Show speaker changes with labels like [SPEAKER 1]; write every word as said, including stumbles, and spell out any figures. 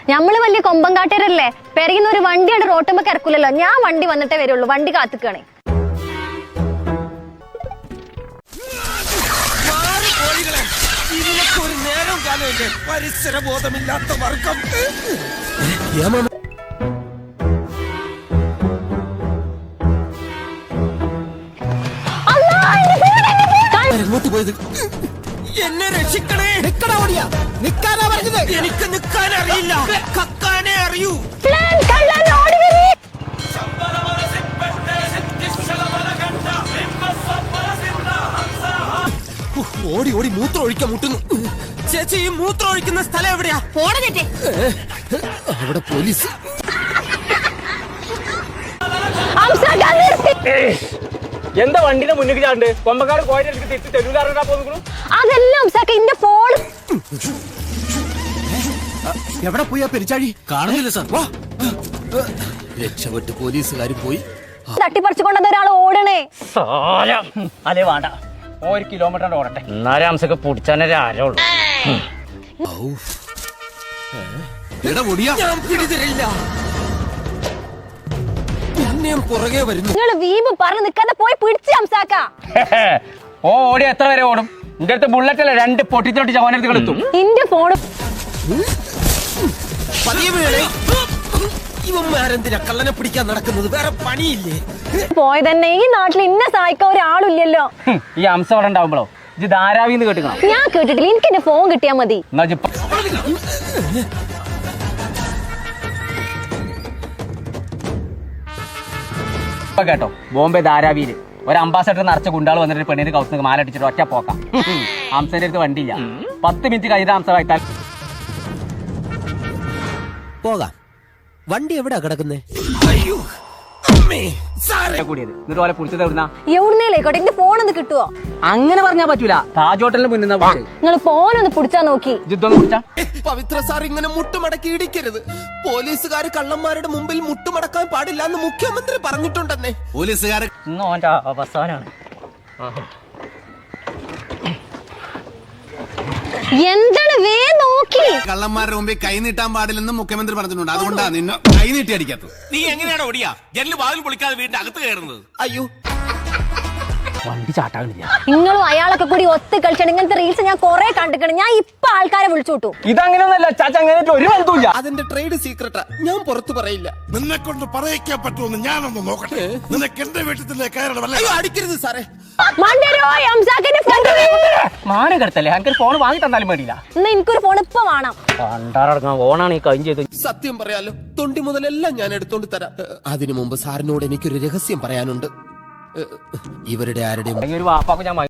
[SPEAKER 1] ഞമ്മള് വലിയ കൊമ്പങ്കാട്ടരല്ലേ, പെരയുന്ന ഒരു വണ്ടിയാണ് റോട്ടുമ്പോ കിടക്കൂലല്ലോ. ഞാൻ വണ്ടി വന്നിട്ടേ വരുള്ളൂ, വണ്ടി കാത്തുക്കാണേ.
[SPEAKER 2] പരിസരബോധമില്ലാത്ത വർഗം. എങ്ങോട്ട് പോയത്? എന്നെ രക്ഷിക്കണേ. എനിക്ക് നിൽക്കാൻ അറിയില്ല, കക്കാനേ അറിയൂ. ഓടി ഓടി മൂത്രം ഒഴിക്കാൻ മുട്ടുന്നു. ചേച്ചി, ഈ മൂത്രം ഒഴിക്കുന്ന സ്ഥലം എവിടെയാ? അവിടെ പോലീസ്.
[SPEAKER 3] എന്താ വണ്ടിന്റെ മുന്നിൽ ചാണ്ട് കൊമ്പക്കാട് കോഴിനെ തെറ്റി തെരുവിലാറാ പോകുന്നു?
[SPEAKER 1] അതെല്ലാം എന്റെ ഫോൺ.
[SPEAKER 2] എവിടെ പോയി ആ പെരിച്ചാഴി? കാണുന്നില്ല സാർ. രക്ഷപ്പെട്ട് പോലീസുകാർ പോയി.
[SPEAKER 1] തട്ടിപ്പറിച്ചുകൊണ്ടത് ഒരാൾ ഓടണേ.
[SPEAKER 3] അല്ലേ വേണ്ട, ഒരു കിലോമീറ്റർ ഓടട്ടെ, എന്നാലും അംസൊക്കെ പിടിച്ചാനേ ആരോളൂ.
[SPEAKER 2] പുറകെ വരുന്നു.
[SPEAKER 1] നിങ്ങൾ വീമ്പ് പറഞ്ഞു നിൽക്കാതെ പോയി പിടിച്ച് അംസാക്ക.
[SPEAKER 3] ഓ ഓടി എത്ര വരെ ഓടും? എന്റെ അടുത്ത് ബുള്ളറ്റ് അല്ല, രണ്ട് പൊട്ടിത്തൊട്ടി ചവനടുത്ത് കളിത്തും.
[SPEAKER 1] എന്റെ ഫോണ്
[SPEAKER 2] ഇവന്മാരെന്തിനാ കള്ളനെ പിടിക്കാൻ നടക്കുന്നത്? വേറെ പണിയില്ലേ?
[SPEAKER 1] പോയതന്നെ ഈ നാട്ടിൽ ഇന്നെ സഹായിക്കാൻ ഒരാളില്ലല്ലോ.
[SPEAKER 3] ഈ അംസം അവിടെ ഉണ്ടാവുമ്പോഴോ ഇത് ധാരാവിന്ന് കേട്ടിക്കണം.
[SPEAKER 1] ഞാൻ കേട്ടിട്ടില്ല, എനിക്ക് എന്റെ ഫോൺ കിട്ടിയാ മതി.
[SPEAKER 3] കേട്ടോ, ബോംബെ ധാരാവിയില് ഒരു അംബാസഡർ നിറച്ച ഗുണ്ടാൾ വന്നിട്ട് പെണ്ണിന് കൗത്ത് മാലടിച്ചിട്ട് ഒറ്റ പോക്കാം. അംസന്റെ അടുത്ത് വണ്ടിയില്ല, പത്ത് മിനിറ്റ് കഴിഞ്ഞ അംസ വായിത്താൽ
[SPEAKER 2] പോകാം. വണ്ടി എവിടെയാ കിടക്കുന്നേ?
[SPEAKER 3] കൂടിയത് എന്നിട്ട് പോലെ പുളിച്ചത് എവിടുന്ന?
[SPEAKER 1] എവിടുന്നേലേക്കോട്ടെ, എന്റെ ഫോൺ ഒന്ന് കിട്ടുവോ?
[SPEAKER 3] അങ്ങനെ പറഞ്ഞാ പറ്റൂല. താജ് ഹോട്ടലിന് മുന്നിൽ
[SPEAKER 1] നിങ്ങൾ ഫോൺ ഒന്ന് പിടിച്ചാ നോക്കി.
[SPEAKER 3] ജിദ്ദൊന്ന് പിടിച്ചാ.
[SPEAKER 2] പവിത്ര സാർ ഇങ്ങനെ മുട്ടുമടക്കി ഇടിക്കരുത്. പോലീസുകാർ കള്ളന്മാരുടെ മുമ്പിൽ മുട്ടുമടക്കാൻ പാടില്ല എന്ന് മുഖ്യമന്ത്രി പറഞ്ഞിട്ടുണ്ടെന്നേ. പോലീസുകാർ
[SPEAKER 3] ഇന്ന് ഓന്റെ അവസാനാണ്.
[SPEAKER 1] എന്താണ് വേ നോക്കി?
[SPEAKER 4] കള്ളന്മാരുടെ മുമ്പിൽ കൈ നീട്ടാൻ പാടില്ലെന്ന് മുഖ്യമന്ത്രി പറഞ്ഞിട്ടുണ്ട്. അതുകൊണ്ടാണ് നിന്നെ കൈ നീട്ടി അടിക്കാത്തത്.
[SPEAKER 5] നീ എങ്ങനെയാണ് ഓടിയാ ജനല് വാതിൽ പൊളിക്കാതെ വീടിന്റെ അകത്ത് കയറുന്നത്?
[SPEAKER 2] അയ്യോ,
[SPEAKER 3] വണ്ടി ചാട്ടാകുന്നില്ല.
[SPEAKER 1] നിങ്ങളും അയാളൊക്കെ കൂടി ഒത്ത് കളിച്ചാണ്. ഇങ്ങനത്തെ റീൽസ് ഞാൻ കൊറേ കണ്ടിട്ടുണ്ട്. ഞാൻ ഇപ്പൊ ആൾക്കാരെ വിളിച്ചു വിട്ടു.
[SPEAKER 3] ഇതങ്ങനെയൊന്നല്ല ചാച്ച, അങ്ങനെ ഒരു ബന്ധമില്ല.
[SPEAKER 2] അതിന്റെ ട്രേഡ് സീക്രട്ടാ, ഞാൻ പുറത്തു പറയില്ല.
[SPEAKER 4] നിന്നെ കൊണ്ട് പറയിക്കാൻ പറ്റുമെന്ന് ഞാനൊന്ന് നോക്കട്ടെ. നിനക്ക് എന്റെ വീട്ടിലെ കയറണമല്ല.
[SPEAKER 2] അയ്യോ, അടിക്കരുത് സാറേ.
[SPEAKER 3] മാനം കെടുത്തല്ലേ, എനിക്ക് ഫോൺ വാങ്ങി തന്നാലും വേണ്ടിയില്ല.
[SPEAKER 1] എന്നാ എനിക്കൊരു ഫോൺ ഇപ്പൊ വേണം.
[SPEAKER 3] പണ്ടാറടങ്ങാൻ ഫോണാണ് ഈ കഴിഞ്ഞ ചെയ്ത്.
[SPEAKER 2] സത്യം പറയാലോ, തൊണ്ടി മുതലെല്ലാം ഞാൻ എടുത്തോണ്ട് തരാം. അതിനു മുമ്പ് സാറിനോട് എനിക്കൊരു രഹസ്യം പറയാനുണ്ട്. ഇവരുടെ ആരുടെയും
[SPEAKER 3] ഒരു വാപ്പാക്ക് ഞാൻ